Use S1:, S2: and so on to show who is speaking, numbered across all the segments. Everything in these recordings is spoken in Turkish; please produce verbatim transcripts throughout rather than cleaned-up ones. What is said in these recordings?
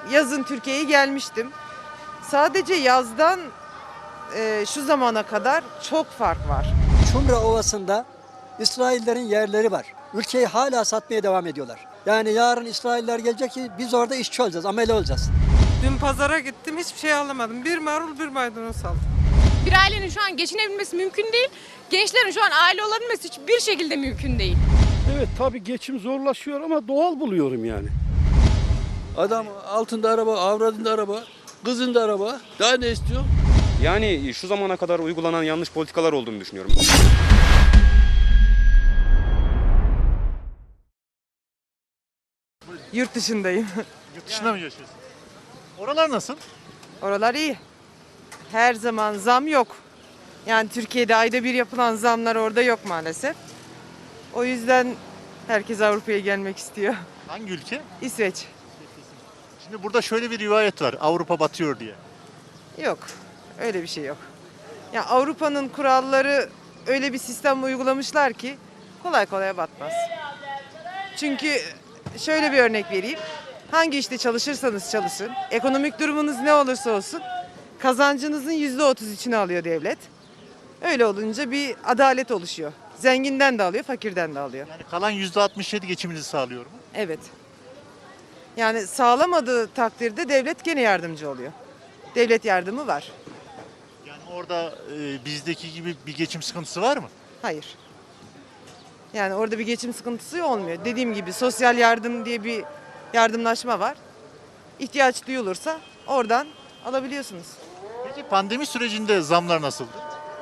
S1: yazın Türkiye'ye gelmiştim. Sadece yazdan e, şu zamana kadar çok fark var.
S2: Çumra Ovası'nda İsraillerin yerleri var. Ülkeyi hala satmaya devam ediyorlar. Yani yarın İsrailler gelecek ki biz orada işçi olacağız, amele olacağız.
S3: Dün pazara gittim, hiçbir şey alamadım. Bir marul, bir maydanoz aldım.
S4: Bir ailenin şu an geçinebilmesi mümkün değil. Gençlerin şu an aile olabilmesi hiçbir şekilde mümkün değil.
S5: Evet tabii geçim zorlaşıyor ama doğal buluyorum yani.
S6: Adam altında araba, avradında araba, kızında araba. Daha ne istiyor?
S7: Yani şu zamana kadar uygulanan yanlış politikalar olduğunu düşünüyorum.
S1: Yurt dışındayım.
S8: Yurt dışında mı yaşıyorsun? Oralar nasıl?
S1: Oralar iyi. Her zaman zam yok. Yani Türkiye'de ayda bir yapılan zamlar orada yok maalesef. O yüzden herkes Avrupa'ya gelmek istiyor.
S8: Hangi ülke?
S1: İsveç.
S8: Şimdi burada şöyle bir rivayet var. Avrupa batıyor diye.
S1: Yok. Öyle bir şey yok. Ya Avrupa'nın kuralları öyle bir sistem uygulamışlar ki kolay kolay batmaz. Çünkü şöyle bir örnek vereyim. Hangi işte çalışırsanız çalışın, ekonomik durumunuz ne olursa olsun kazancınızın yüzde otuz içine alıyor devlet. Öyle olunca bir adalet oluşuyor. Zenginden de alıyor, fakirden de alıyor.
S8: Yani kalan yüzde altmış yedi geçiminizi sağlıyor mu?
S1: Evet. Yani sağlamadığı takdirde devlet gene yardımcı oluyor. Devlet yardımı var.
S8: Yani orada e, bizdeki gibi bir geçim sıkıntısı var mı?
S1: Hayır. Yani orada bir geçim sıkıntısı olmuyor. Dediğim gibi sosyal yardım diye bir yardımlaşma var. İhtiyaç duyulursa oradan alabiliyorsunuz.
S8: Peki pandemi sürecinde zamlar nasıldı?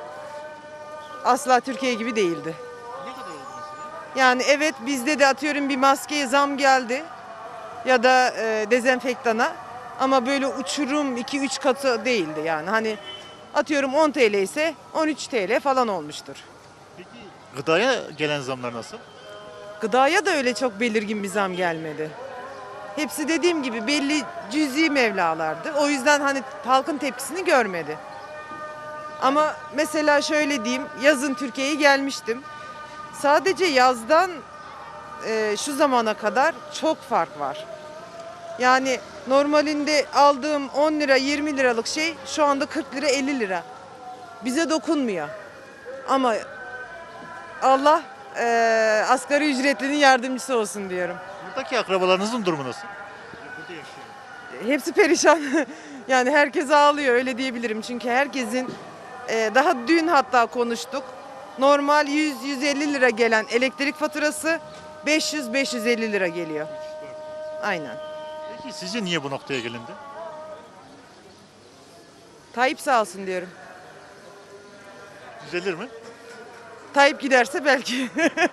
S1: Asla Türkiye gibi değildi.
S8: Ne kadar oldu mesela?
S1: Yani evet bizde de atıyorum bir maskeye zam geldi ya da e, dezenfektana ama böyle uçurum iki üç katı değildi yani. Hani atıyorum on T L ise on üç T L falan olmuştur.
S8: Peki gıdaya gelen zamlar nasıl?
S1: Gıdaya da öyle çok belirgin bir zam gelmedi. Hepsi dediğim gibi belli cüzi mevlalardı. O yüzden hani halkın tepkisini görmedi. Ama mesela şöyle diyeyim, yazın Türkiye'ye gelmiştim. Sadece yazdan e, şu zamana kadar çok fark var. Yani normalinde aldığım on lira yirmi liralık şey şu anda kırk lira elli lira. Bize dokunmuyor. Ama Allah e, asgari ücretlinin yardımcısı olsun diyorum.
S8: Buradaki akrabalarınızın durumu nasıl? Burada yaşıyor.
S1: Hepsi perişan. Yani herkes ağlıyor öyle diyebilirim. Çünkü herkesin e, daha dün hatta konuştuk. Normal yüz yüz elli lira gelen elektrik faturası beş yüz beş yüz elli lira geliyor. Aynen.
S8: Peki sizce niye bu noktaya gelindi?
S1: Tayyip sağ olsun diyorum.
S8: Düzelir mi?
S1: Tayyip giderse belki.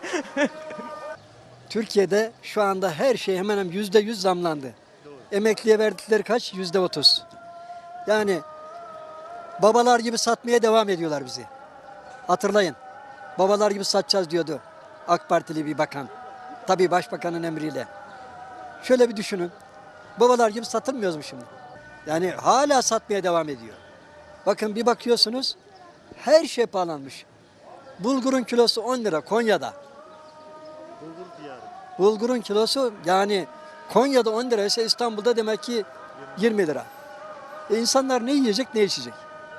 S2: Türkiye'de şu anda her şey hemen hemen yüzde yüz zamlandı. Emekliye verdikleri kaç? Yüzde otuz. Yani babalar gibi satmaya devam ediyorlar bizi. Hatırlayın. Babalar gibi satacağız diyordu AK Partili bir bakan. Tabii başbakanın emriyle. Şöyle bir düşünün. Babalar gibi satılmıyoruz mu şimdi? Yani hala satmaya devam ediyor. Bakın bir bakıyorsunuz her şey pahalanmış. Bulgurun kilosu on lira Konya'da.
S8: Bulgur diyarı.
S2: Bulgurun kilosu yani Konya'da on lira ise İstanbul'da demek ki yirmi lira. E insanlar ne yiyecek ne içecek?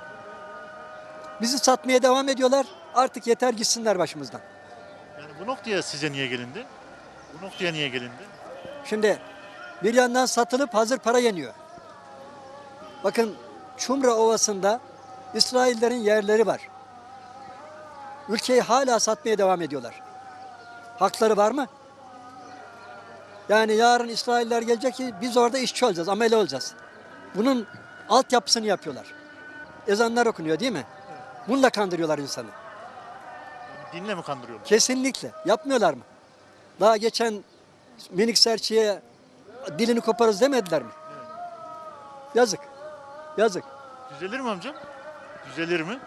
S2: Bizi satmaya devam ediyorlar. Artık yeter gitsinler başımızdan.
S8: Yani bu noktaya size niye gelindi? Bu noktaya niye gelindi?
S2: Şimdi bir yandan satılıp hazır para yeniyor. Bakın Çumra Ovası'nda İsraillerin yerleri var. Ülkeyi hala satmaya devam ediyorlar. Hakları var mı? Yani yarın İsrailler gelecek ki biz orada işçi olacağız, amele olacağız. Bunun altyapısını yapıyorlar. Ezanlar okunuyor değil mi? Bununla kandırıyorlar insanı.
S8: Yani dinle mi kandırıyorlar?
S2: Kesinlikle. Yapmıyorlar mı? Daha geçen minik serçeye dilini koparız demediler mi? Yazık. Yazık.
S8: Düzelir mi amcam? Düzelir mi?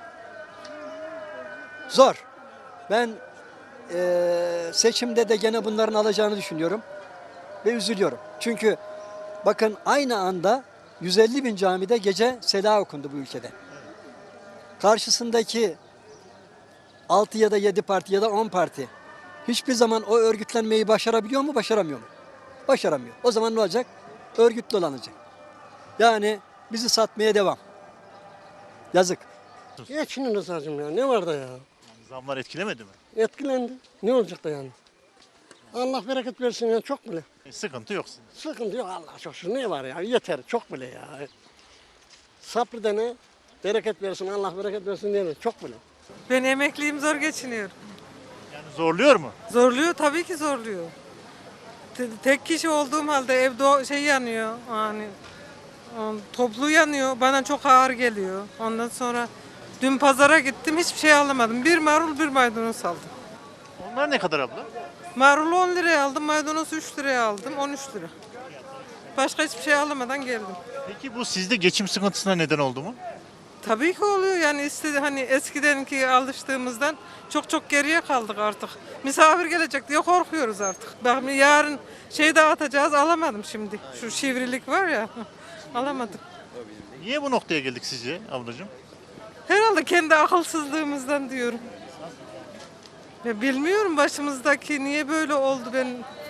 S2: Zor. Ben eee, seçimde de gene bunların alacağını düşünüyorum. Ve üzülüyorum. Çünkü bakın aynı anda yüz elli bin camide gece sela okundu bu ülkede. Karşısındaki altı ya da yedi parti ya da on parti hiçbir zaman o örgütlenmeyi başarabiliyor mu, başaramıyor mu? Başaramıyor. O zaman ne olacak? Örgütlü olanacak. Yani bizi satmaya devam. Yazık.
S9: Geçinin hacım ya. Ne var da ya?
S8: Zamlar etkilemedi mi?
S9: Etkilendi. Ne olacak da yani? Allah bereket versin ya. Çok bile.
S8: E, sıkıntı yok sizin.
S9: Sıkıntı yok Allah çok şükür. Ne var ya? Yeter. Çok bile ya. Sabrı dene. Bereket versin. Allah bereket versin diyelim. Çok bile.
S3: Ben emekliyim, zor geçiniyorum.
S8: Yani zorluyor mu?
S3: Zorluyor, tabii ki zorluyor. Te- Tek kişi olduğum halde evde o şey yanıyor. Yani um, toplu yanıyor. Bana çok ağır geliyor. Ondan sonra dün pazara gittim, hiçbir şey alamadım. Bir marul, bir maydanoz aldım.
S8: Onlar ne kadar abla?
S3: Marulu on liraya aldım, maydanozu üç liraya aldım, on üç lira. Başka hiçbir şey alamadan geldim.
S8: Peki bu sizde geçim sıkıntısına neden oldu mu?
S3: Tabii ki oluyor yani istedi hani eskidenki alıştığımızdan çok çok geriye kaldık artık. Misafir gelecek diye korkuyoruz artık. Bak yarın şey dağıtacağız, alamadım şimdi. Şu şivrilik var ya alamadım.
S8: Niye bu noktaya geldik sizce ablacığım?
S3: Herhalde kendi akılsızlığımızdan diyorum. Ya bilmiyorum başımızdaki niye böyle oldu ben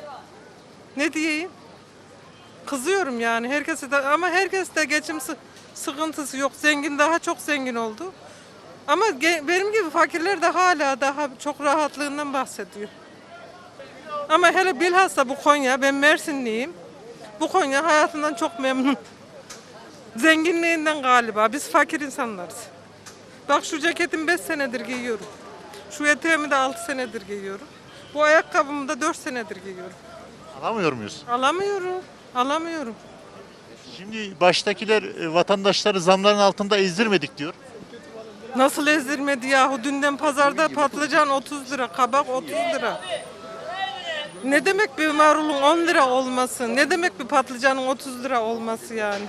S3: ne diyeyim? Kızıyorum yani herkese de ama herkes de geçim sı- sıkıntısı yok. Zengin daha çok zengin oldu. Ama ge- benim gibi fakirler de hala daha çok rahatlığından bahsediyor. Ama hele bilhassa bu Konya, ben Mersinliyim. Bu Konya hayatından çok memnun. Zenginliğinden galiba. Biz fakir insanlarız. Bak şu ceketimi beş senedir giyiyorum. Şu eteğimi de altı senedir giyiyorum. Bu ayakkabımı da dört senedir giyiyorum.
S8: Alamıyor muyuz?
S3: Alamıyorum. Alamıyorum.
S8: Şimdi baştakiler e, vatandaşları zamların altında ezdirmedik diyor.
S3: Nasıl ezdirmedi yahu? Dünden pazarda patlıcan otuz lira, kabak otuz lira. Ne demek bir marulun on lira olması? Ne demek bir patlıcanın otuz lira olması yani?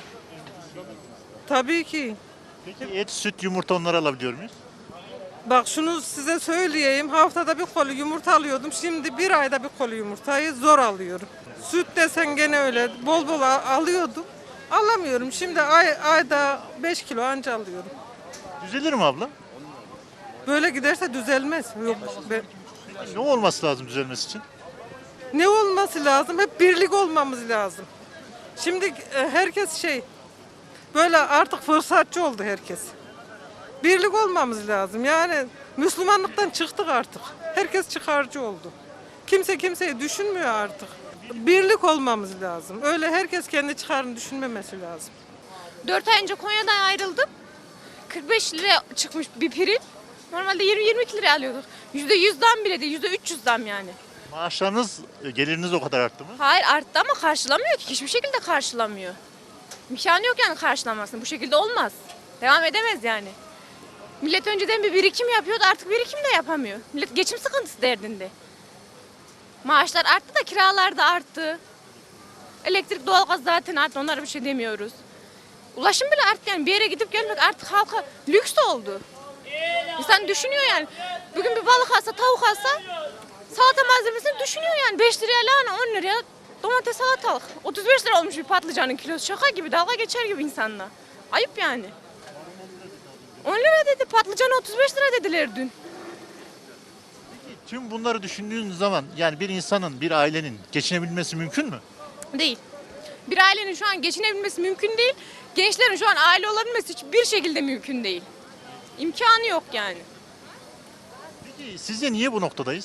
S3: Tabii ki.
S8: Peki et, süt, yumurta onları alabiliyor muyuz?
S3: Bak şunu size söyleyeyim. Haftada bir kolu yumurta alıyordum. Şimdi bir ayda bir kolu yumurtayı zor alıyorum. Süt desen gene öyle. Bol bol a- alıyordum. Alamıyorum. Şimdi ay, ayda beş kilo anca alıyorum.
S8: Düzelir mi abla?
S3: Böyle giderse düzelmez. Yok, ben-
S8: Ne olması lazım düzelmesi için?
S3: Ne olması lazım? Hep birlik olmamız lazım. Şimdi e, herkes şey, böyle artık fırsatçı oldu herkes. Birlik olmamız lazım. Yani Müslümanlıktan çıktık artık. Herkes çıkarcı oldu. Kimse kimseyi düşünmüyor artık. Birlik olmamız lazım. Öyle herkes kendi çıkarını düşünmemesi lazım.
S4: dört ay önce Konya'dan ayrıldım. kırk beş lira çıkmış bir pirin. Normalde yirmi yirmi iki liraya alıyorduk. yüzde yüz zam bile değil, yüzde üç yüz zam yani.
S8: Maaşlarınız, e, geliriniz o kadar arttı mı?
S4: Hayır arttı ama karşılamıyor ki. Hiçbir şekilde karşılamıyor. İmkanı yok yani karşılamasını. Bu şekilde olmaz. Devam edemez yani. Millet önceden bir birikim yapıyordu, artık birikim de yapamıyor. Millet geçim sıkıntısı derdinde. Maaşlar arttı da kiralar da arttı. Elektrik, doğalgaz zaten arttı, onlara bir şey demiyoruz. Ulaşım bile arttı yani, bir yere gidip gelmek artık halka lüks oldu. İnsan düşünüyor yani. Bugün bir balık alsa, tavuk alsa salata malzemesini düşünüyor yani. beş liraya lahana, on liraya domates, salatalık. otuz beş lira olmuş bir patlıcanın kilosu. Şaka gibi, dalga geçer gibi insanla. Ayıp yani. on lira dedi, patlıcanı otuz beş lira dediler dün.
S8: Tüm bunları düşündüğün zaman yani bir insanın, bir ailenin geçinebilmesi mümkün mü?
S4: Değil. Bir ailenin şu an geçinebilmesi mümkün değil. Gençlerin şu an aile olabilmesi hiçbir şekilde mümkün değil. İmkanı yok yani.
S8: Peki sizce niye bu noktadayız?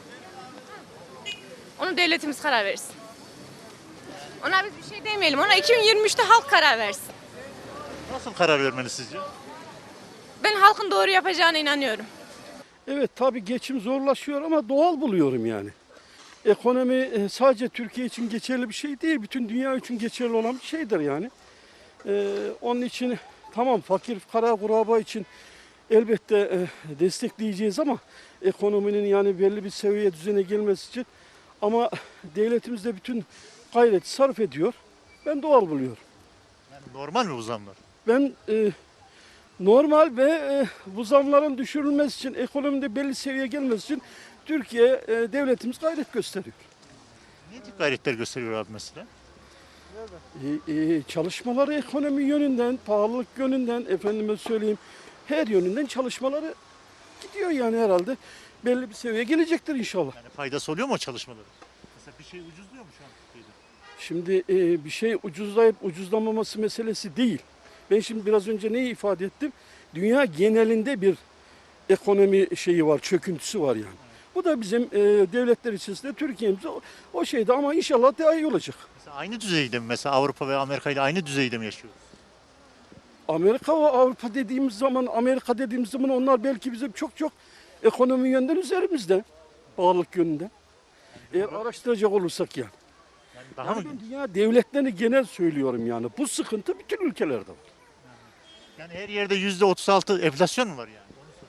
S4: Onu devletimiz karar versin. Ona biz bir şey demeyelim. Ona iki bin yirmi üçte halk karar versin.
S8: Nasıl karar vermeli sizce?
S4: Ben halkın doğru yapacağına inanıyorum.
S5: Evet tabii geçim zorlaşıyor ama doğal buluyorum yani. Ekonomi e, sadece Türkiye için geçerli bir şey değil. Bütün dünya için geçerli olan bir şeydir yani. Ee, onun için tamam fakir fukara kuraba için elbette e, destekleyeceğiz ama ekonominin yani belli bir seviyeye düzene gelmesi için ama devletimiz de bütün gayreti sarf ediyor. Ben doğal buluyorum.
S8: Yani normal mi bu zamlar?
S5: Ben e, normal ve e, bu zamların düşürülmesi için, ekonomide belli seviyeye gelmesi için Türkiye e, devletimiz gayret gösteriyor.
S8: Ne tip gayretler gösteriyor abi mesela?
S5: E, e, çalışmaları ekonomi yönünden, pahalılık yönünden, efendime söyleyeyim her yönünden çalışmaları gidiyor yani herhalde. Belli bir seviyeye gelecektir inşallah.
S8: Yani faydası oluyor mu o çalışmaların? Mesela bir şey ucuzluyor mu şu an Türkiye'de?
S5: Şimdi e, bir şey ucuzlayıp ucuzlamaması meselesi değil. Ben şimdi biraz önce neyi ifade ettim? Dünya genelinde bir ekonomi şeyi var, çöküntüsü var yani. Bu da bizim e, devletler içerisinde Türkiye'mize o, o şeyde ama inşallah daha iyi olacak.
S8: Mesela aynı düzeyde mi? Mesela Avrupa ve Amerika ile aynı düzeyde mi yaşıyoruz?
S5: Amerika ve Avrupa dediğimiz zaman, Amerika dediğimiz zaman onlar belki bizim çok çok ekonomi yönden üzerimizde, bağlılık yönünden. Eğer araştıracak olursak yani.
S8: Daha
S5: Yani
S8: mı?
S5: ben dünya devletlerini genel söylüyorum yani. Bu sıkıntı bütün ülkelerde var.
S8: Yani her yerde yüzde otuz altı enflasyon mu var yani?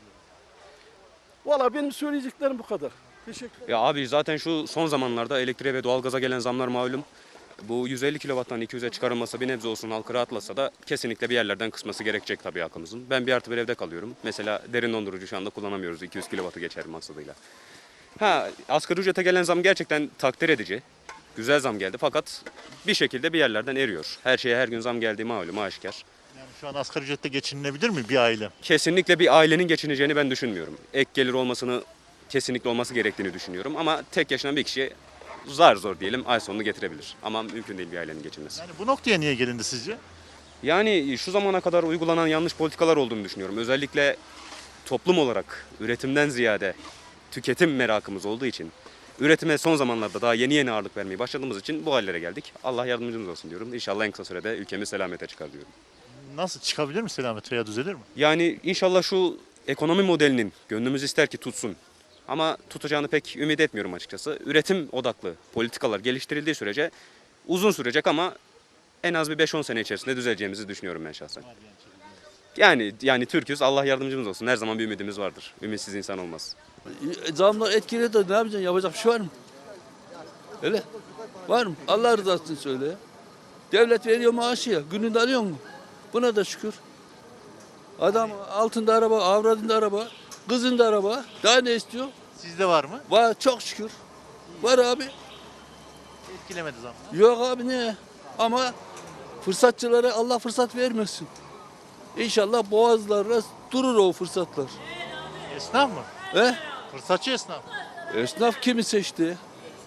S5: Valla benim söyleyeceklerim bu kadar. Teşekkür ederim.
S7: Ya abi zaten şu son zamanlarda elektriğe ve doğalgaza gelen zamlar malum. Bu yüz elli kilovattan iki yüze çıkarılmasa bir nebze olsun halkı rahatlasa da kesinlikle bir yerlerden kısması gerekecek tabii halkımızın. Ben bir artı bir evde kalıyorum. Mesela derin dondurucu şu anda kullanamıyoruz iki yüz kilovatı geçer maksadıyla. Ha, asgari ücrete gelen zam gerçekten takdir edici. Güzel zam geldi fakat bir şekilde bir yerlerden eriyor. Her şeye her gün zam geldiği malum aşikar.
S8: Yani şu an asgari ücretle geçinilebilir mi bir aile?
S7: Kesinlikle bir ailenin geçineceğini ben düşünmüyorum. Ek gelir olmasını kesinlikle olması gerektiğini düşünüyorum. Ama tek yaşayan bir kişi zar zor diyelim ay sonunu getirebilir. Ama mümkün değil bir ailenin geçinmesi.
S8: Yani bu noktaya niye gelindi sizce?
S7: Yani şu zamana kadar uygulanan yanlış politikalar olduğunu düşünüyorum. Özellikle toplum olarak üretimden ziyade tüketim merakımız olduğu için, üretime son zamanlarda daha yeni yeni ağırlık vermeye başladığımız için bu hallere geldik. Allah yardımcımız olsun diyorum. İnşallah en kısa sürede ülkemiz selamete çıkar diyorum.
S8: Nasıl çıkabilir mi selamet veya düzelir mi?
S7: Yani inşallah şu ekonomi modelinin gönlümüz ister ki tutsun. Ama tutacağını pek ümit etmiyorum açıkçası. Üretim odaklı politikalar geliştirildiği sürece uzun sürecek ama en az bir beş on sene içerisinde düzeleceğimizi düşünüyorum ben şahsen. Yani yani Türk'üz, Allah yardımcımız olsun. Her zaman bir ümidimiz vardır. Ümitsiz insan olmaz.
S6: Zamlar etkiledi de ne yapacaksın? Yapacak bir şey var mı? Öyle. Var mı? Allah rızası için söyle ya. Devlet veriyor maaşı ya. Gününde alıyor mu? Buna da şükür. Adam altında araba, avradında araba, kızında araba. Daha ne istiyor?
S8: Sizde var mı?
S6: Var çok şükür. Var abi.
S8: Etkilemedi zam.
S6: Yok abi ne? Ama fırsatçılara Allah fırsat vermesin. İnşallah boğazlarla durur o fırsatlar.
S8: Esnaf mı?
S6: He?
S8: Fırsatçı esnaf.
S6: Esnaf kimi seçti?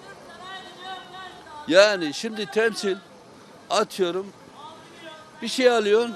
S6: Yani şimdi temsil atıyorum bir şey alıyorsun.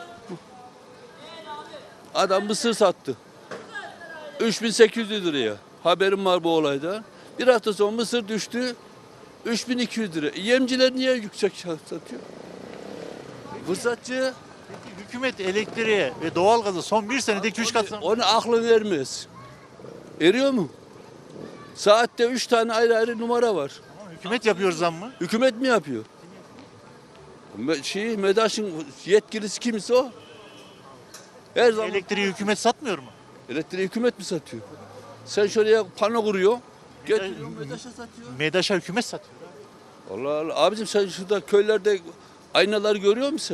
S6: Adam mısır sattı. üç bin sekiz yüz liraya. Haberim var bu olaydan. Bir hafta sonra mısır düştü. üç bin iki yüz lira. Yemciler niye yüksek satıyor? Fırsatçı
S8: Peki hükümet elektriğe ve doğalgaza son bir senede iki üç kat zam.
S6: onu aklı vermez. Eriyor mu? Saatte üç tane ayrı ayrı numara var.
S8: Tamam, hükümet yapıyor zam mı?
S6: Hükümet mi yapıyor? Me- Şey, MEDAŞ'ın yetkilisi kimse o. Her zaman
S8: Elektriği hükümet satmıyor mu?
S6: elektriği hükümet mi satıyor? Sen şuraya pano kuruyor. Getiriyorsun MEDAŞ'a satıyor.
S8: MEDAŞ'a hükümet satıyor.
S6: Allah Allah. Abicim sen şurada köylerde aynalar görüyor musun?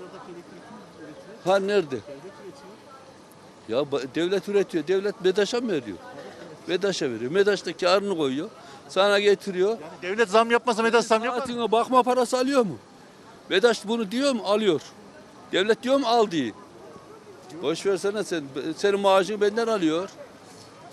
S6: Ha nerede? Ya ba- devlet üretiyor. Devlet MEDAŞ'a mı veriyor? MEDAŞ'a veriyor. MEDAŞ da karını koyuyor. Sana getiriyor.
S8: Yani devlet zam yapmasa MEDAŞ zam yapar mı?
S6: Saatine bakma parası alıyor mu? MEDAŞ bunu diyor mu? Alıyor. Devlet diyor mu? Al diye. Boş versene sen. Senin maaşını benden alıyor.